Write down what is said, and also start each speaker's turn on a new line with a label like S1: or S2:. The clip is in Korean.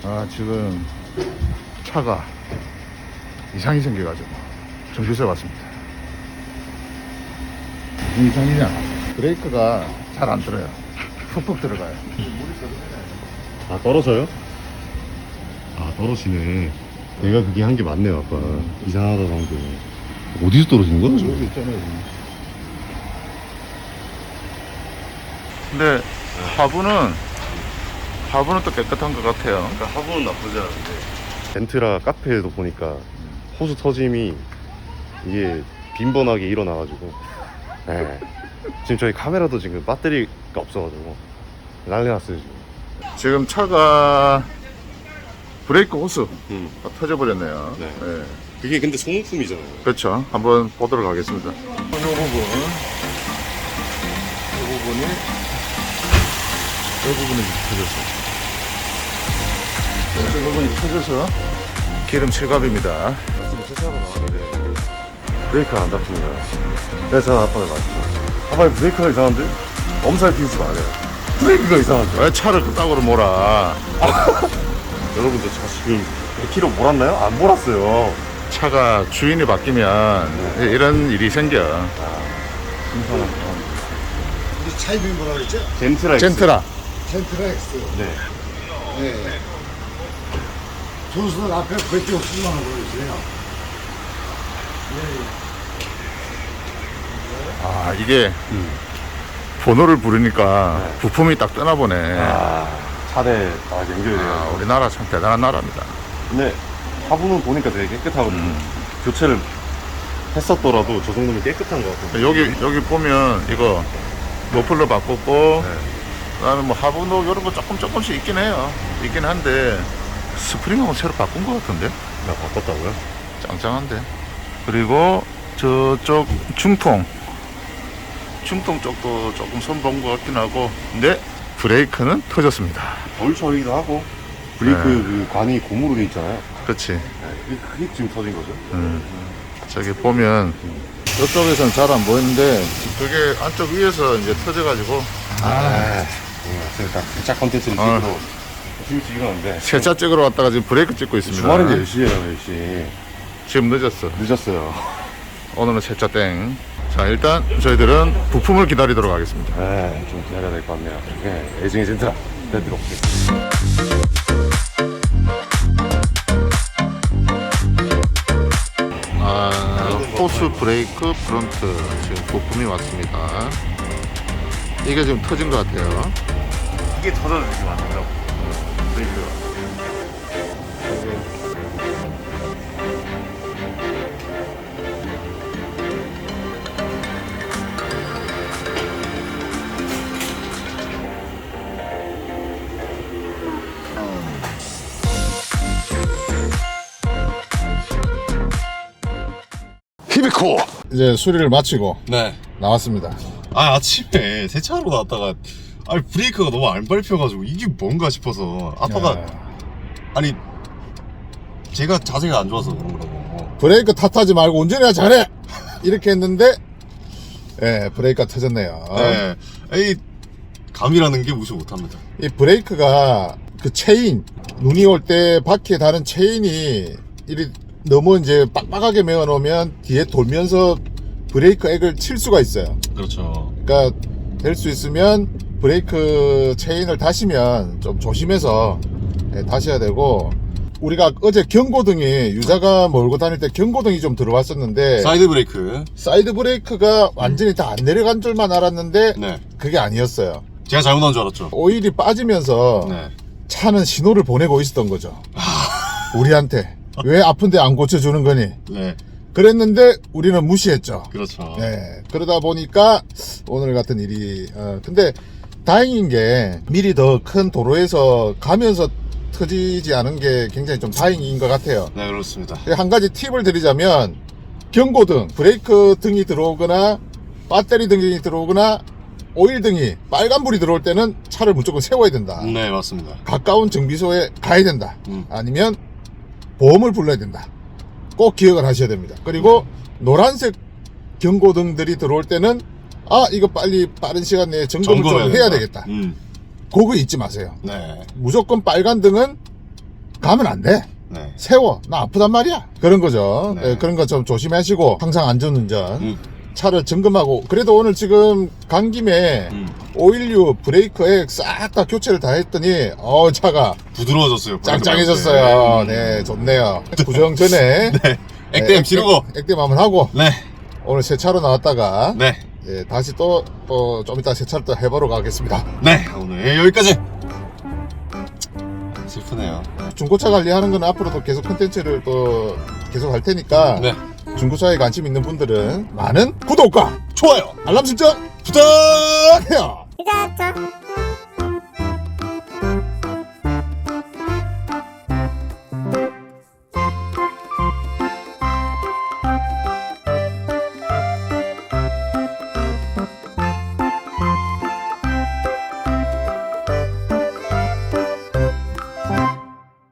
S1: 지금 차가 이상이 생겨가지고 정비소에 왔습니다. 무슨 이상이냐? 브레이크가 잘 안 들어요. 푹푹 들어가요.
S2: 아, 떨어져요? 아, 떨어지네. 내가 그게 한 게 맞네요, 아빠. 이상하다고 게. 어디서 떨어지는 거야?
S1: 여기 있잖아요. 근데 하부는 또 깨끗한 것 같아요.
S2: 그러니까 하부는 나쁘지 않은데. 벤트라 카페에도 보니까 호수 터짐이 이게 빈번하게 일어나가지고. 네. 지금 저희 카메라도 지금 배터리가 없어가지고 난리 났어요, 지금.
S1: 지금 차가 브레이크 호스가 터져버렸네요.
S2: 네.
S1: 네.
S2: 그게 근데 소모품이잖아요.
S1: 그렇죠. 한번 보도록 하겠습니다. 이 부분이 터졌어요. 이 부분이 터져서 기름 실갑입니다.
S2: 브레이크가 안 잡힙니다. 그래서 저는 아빠를 맞죠. 아빠 브레이크가 이상한데? 엄살 피우지 말아요. 브레이크가 이상한데?
S1: 왜 차를 그따구로 몰아?
S2: 여러분들 저 지금 100km 몰았나요? 안 몰았어요.
S1: 차가 주인이 바뀌면 이런 일이 생겨.
S2: 신선한
S3: 우리 차 이름이 뭐라 그랬죠?
S2: 젠트라 X.
S1: 젠트라.
S3: 젠트라 X.
S2: 네.
S3: 네. 조수들 앞에 브레이크 없으면 보여주세요.
S1: 이게 번호를 부르니까 부품이 딱 뜨나 보네.
S2: 차대 다 연결돼요.
S1: 우리나라 참 대단한 나라입니다.
S2: 근데 하부는 보니까 되게 깨끗하거든요. 교체를 했었더라도 저 정도면 깨끗한 것 같아요.
S1: 여기 보면 이거 머플러 바꿨고, 그다음에 뭐 하부도 이런 거 조금씩 있긴 해요. 있긴 한데 스프링하고 새로 바꾼 것 같은데?
S2: 나 바꿨다고요?
S1: 짱짱한데. 그리고 저쪽 중통 쪽도 조금 손본 것 같긴 하고, 근데 브레이크는 터졌습니다.
S2: 덜 처리도 하고 브레이크 그 관이 고무로 돼 있잖아요.
S1: 그렇지.
S2: 그게 지금 터진 거죠.
S1: 저기 보면 저쪽에서는 잘 안 보이는데 그게 안쪽 위에서 이제 터져가지고
S2: 그러니까 세차 컨텐츠를 찍으러 지금 찍었는데
S1: 세차 찍으러 왔다가 지금 브레이크 찍고 있습니다.
S2: 주말인데 10시에요, 10시.
S1: 지금 늦었어.
S2: 늦었어요.
S1: 오늘은 세차 땡. 자, 일단 저희들은 부품을 기다리도록 하겠습니다.
S2: 네, 좀 기다려야 될 것 같네요. 네, 애증의 젠트라 내드려 볼게요.
S1: 호스 브레이크 프론트 지금 부품이 왔습니다. 이게 지금 터진 것 같아요.
S2: 이게 터져서 지금 안 된다고. 브레이크가.
S1: 히비코 이제 수리를 마치고
S4: 네.
S1: 나왔습니다.
S4: 아침에 세차하러 나왔다가 브레이크가 너무 안 밟혀가지고 이게 뭔가 싶어서 아빠가 아니 제가 자세가 안 좋아서 그런 거라고.
S1: 브레이크 탓하지 말고 운전해야 잘해 이렇게 했는데 브레이크가 터졌네요.
S4: 네. 이 감이라는 게 무시 못합니다.
S1: 이 브레이크가 그 체인, 눈이 올 때 바퀴에 다른 체인이 이리 너무 이제 빡빡하게 메어 놓으면 뒤에 돌면서 브레이크 액을 칠 수가 있어요.
S4: 그렇죠.
S1: 그러니까 될 수 있으면 브레이크 체인을 다시면 좀 조심해서 다셔야 되고, 우리가 어제 경고등이 유자가 몰고 다닐 때 경고등이 좀 들어왔었는데
S4: 사이드 브레이크.
S1: 사이드 브레이크가 완전히 다 안 내려간 줄만 알았는데
S4: 네.
S1: 그게 아니었어요.
S4: 제가 잘못한 줄 알았죠.
S1: 오일이 빠지면서
S4: 네.
S1: 차는 신호를 보내고 있었던 거죠. 우리한테 왜 아픈데 안 고쳐주는 거니?
S4: 네.
S1: 그랬는데 우리는 무시했죠.
S4: 그렇죠.
S1: 네. 그러다 보니까 오늘 같은 일이 근데 다행인 게 미리 더 큰 도로에서 가면서 터지지 않은 게 굉장히 좀 다행인 것 같아요.
S4: 네, 그렇습니다.
S1: 한 가지 팁을 드리자면 경고등, 브레이크 등이 들어오거나 배터리 등이 들어오거나 오일 등이 빨간불이 들어올 때는 차를 무조건 세워야 된다.
S4: 네, 맞습니다.
S1: 가까운 정비소에 가야 된다. 아니면 보험을 불러야 된다. 꼭 기억을 하셔야 됩니다. 그리고 노란색 경고등들이 들어올 때는 이거 빨리 빠른 시간 내에 점검을 좀 해야 되겠다. 그거 잊지 마세요.
S4: 네.
S1: 무조건 빨간 등은 가면 안 돼.
S4: 네.
S1: 세워. 나 아프단 말이야. 그런 거죠.
S4: 네.
S1: 예, 그런 거 좀 조심하시고 항상 안전운전.
S4: 음.
S1: 차를 점검하고 그래도 오늘 지금 간 김에 오일류 브레이크에 싹 다 교체를 다 했더니 차가
S4: 부드러워졌어요.
S1: 짱짱해졌어요. 네, 좋네요. 구정 전에
S4: 네. 액땜 지르고.
S1: 액땜 한번 하고
S4: 네.
S1: 오늘 새 차로 나왔다가
S4: 네.
S1: 예, 다시 또 좀 이따 새 차를 또 해보러 가겠습니다.
S4: 네. 오늘 여기까지. 슬프네요.
S1: 중고차 관리하는 건 앞으로도 계속 컨텐츠를 또 계속 할 테니까
S4: 네.
S1: 중고차에 관심 있는 분들은 많은 구독과
S4: 좋아요.
S1: 알람 설정
S4: 부탁!
S1: 해요.
S5: 시작하자.